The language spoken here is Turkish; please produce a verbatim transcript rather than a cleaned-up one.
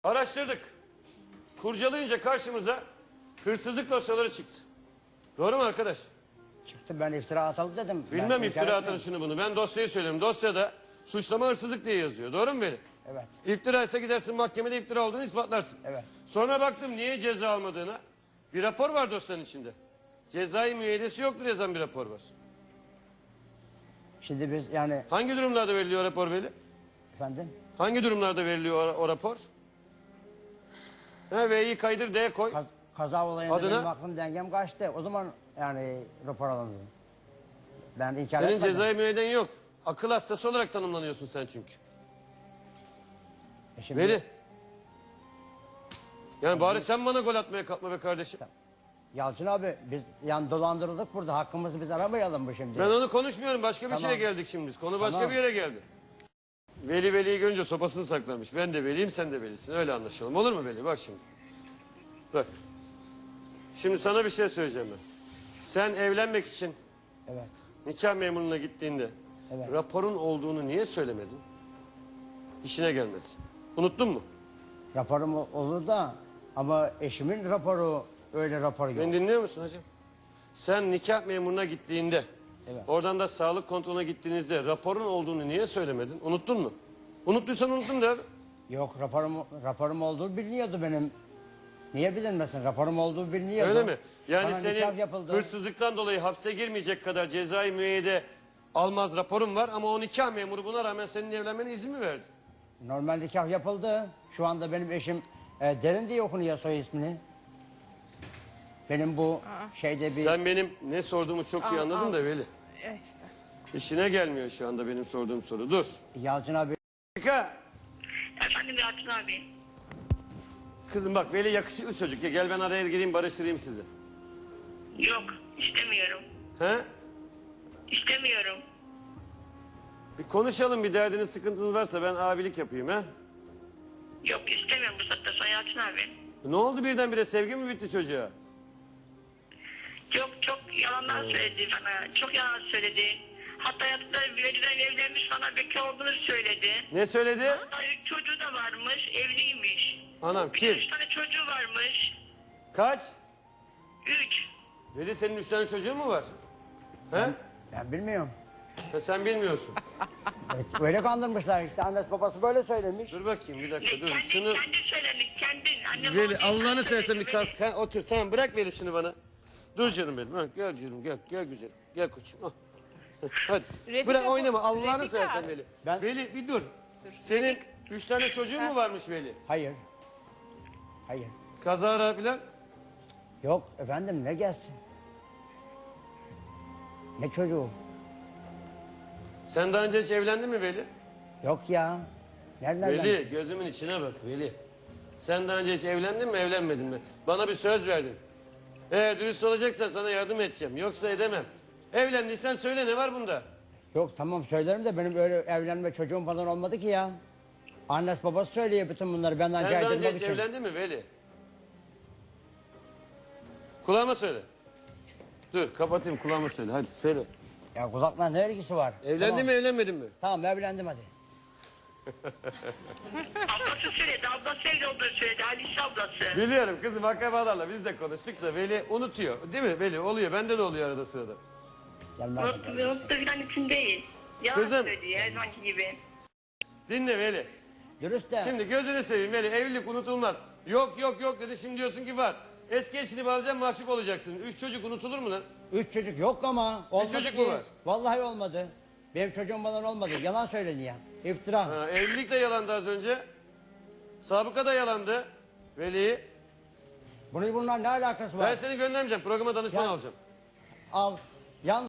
Araştırdık. Kurcalayınca karşımıza hırsızlık dosyaları çıktı. Doğru mu arkadaş? Çıktı, ben iftira atalım dedim. Bilmem Ben iftira inkar atanı etmiyorum. şunu bunu. Ben dosyayı söylüyorum. Dosyada suçlama hırsızlık diye yazıyor. Doğru mu Veli? Evet. İftira ise gidersin mahkemede iftira olduğunu ispatlarsın. Evet. Sonra baktım niye ceza almadığına. Bir rapor var dosyanın içinde. Cezai müeyyidesi yoktur yazan bir rapor var. Şimdi biz yani Hangi durumlarda veriliyor o rapor Veli? efendim Hangi durumlarda veriliyor o, o rapor? Ha, V'yi kaydır D koy. kaz- kaza olayında Adına? benim aklım dengem kaçtı. O zaman yani rapor alındı. Ben inkar Senin etmedim. cezai müeyyiden yok. Akıl hastası olarak tanımlanıyorsun sen çünkü. E şimdi- Veli. Yani bari sen bana gol atmaya kalkma be kardeşim. Yalçın abi biz yani dolandırıldık burada. Hakkımızı biz aramayalım bu şimdi. Ben onu konuşmuyorum. Başka bir Tamam. şeye geldik şimdi biz. Konu başka Tamam. bir yere geldi. Veli Veli'yi görünce sopasını saklamış. Ben de Veli'yim, sen de Veli'sin. Öyle anlaşalım. Olur mu Veli? Bak şimdi. Bak. Şimdi sana bir şey söyleyeceğim ben. Sen evlenmek için Evet. nikah memuruna gittiğinde Evet. raporun olduğunu niye söylemedin? İşine gelmedi. Unuttun mu? Raporum olur da ama eşimin raporu öyle rapor yok. Beni dinliyor musun hocam? Sen nikah memuruna gittiğinde, Evet. oradan da sağlık kontrolüne gittiğinizde raporun olduğunu niye söylemedin? Unuttun mu? Unuttuysan unuttun de abi. Yok, raporum raporum olduğu biliniyordu benim. Niye bilinmesin? Raporum olduğu biliniyordu. Öyle mi? Yani Bana nikah senin yapıldı. hırsızlıktan dolayı hapse girmeyecek kadar cezai müeyyide almaz raporun var ama o nikah memuru buna rağmen senin evlenmene izin mi verdi? Normal nikah yapıldı. Şu anda benim eşim e, Derin diye okunuyor soy ismini. Benim bu şeyde bir... Sen benim ne sorduğumu çok iyi Al, anladın al. da Veli. E işte. İşine gelmiyor şu anda benim sorduğum soru. Dur. Yalçın abi Dakika. Efendim Yalçın abi. Kızım bak Veli yakışıklı çocuk ya, gel ben araya gireyim barıştırayım sizi. Yok istemiyorum. He? İstemiyorum. Bir konuşalım, bir derdiniz sıkıntınız varsa ben abilik yapayım ha. Yok istemiyorum bu saatte sonra Yalçın abi. Ne oldu birdenbire, sevgi mi bitti çocuğa? Çok çok yalanlar söyledi bana. Çok yalan söyledi. Hatta hayatında Veli'den evlenmiş, bana bekar olduğunu söyledi. Ne söyledi? Hatta üç çocuğu da varmış, evliymiş. Anam Bir kim? de üç tane çocuğu varmış. Kaç? Üç. Veli senin üç tane çocuğun mu var? He? ben bilmiyorum. Ha, sen bilmiyorsun. Evet, öyle kandırmışlar işte. Annesi babası böyle söylemiş. Dur bakayım bir dakika Ne, dur. kendin, Şunu kendin söyledin, kendin. Annem Veli babam Allah'ını kendin seversen bir söyledi, kalk. Ha, otur tamam, bırak Veli şunu bana. Dur canım benim. Ha, gel canım gel gel güzelim. Gel koçum. Ah. Heh, hadi. Refika Bırak bu- oynama Allah'ını Refika. seversen Veli. Ben- Veli bir dur. Senin üç tane çocuğun mu varmış Veli? Hayır. Hayır. Kazara filan. Yok efendim, ne gelsin? Ne çocuğu? Sen daha önce hiç evlendin mi Veli? Yok ya. Nereden Veli ben- gözümün içine bak Veli. Sen daha önce hiç evlendin mi evlenmedin mi? Bana bir söz verdin. Eğer dürüst olacaksan sana yardım edeceğim. Yoksa edemem. Evlendiysen söyle, ne var bunda? Yok tamam söylerim de benim öyle evlenme çocuğum falan olmadı ki ya. Annesi babası söylüyor bütün bunları benden Sen daha önce caydırmak hiç için. evlendin mi Veli? Kulağıma söyle. Dur kapatayım, kulağıma söyle hadi söyle. Ya kulakla ne ilgisi var? Evlendin tamam. mi evlenmedin mi? Tamam evlendim hadi. Ablası söyledi, ablası evli olduğunu söyledi, Alice ablası. Biliyorum kızım, akrabalarla biz de konuştuk da Veli unutuyor. Değil mi Veli? Oluyor, bende de oluyor arada sırada. Gelmez. Unuttu, unuttu falan için değil. Yalan Kızım. söylüyor her zamanki gibi. Dinle Veli. Dürüst de. Şimdi gözünü seveyim Veli, evlilik unutulmaz. Yok yok yok dedi, şimdi diyorsun ki var. Eski eşini bağlayacaksın, mahcup olacaksın. Üç çocuk unutulur mu lan? Üç çocuk yok ama. Olmadı çocuk ki. mu var? Vallahi olmadı. Benim çocuğum falan olmadı. Yalan söyleniyor. İftira. Ha, evlilik de yalandı az önce. Sabıka da yalandı. Veli. Bunun bununla ne alakası var? Ben seni göndermeyeceğim. Programa danışman Ya- alacağım. Al. Yan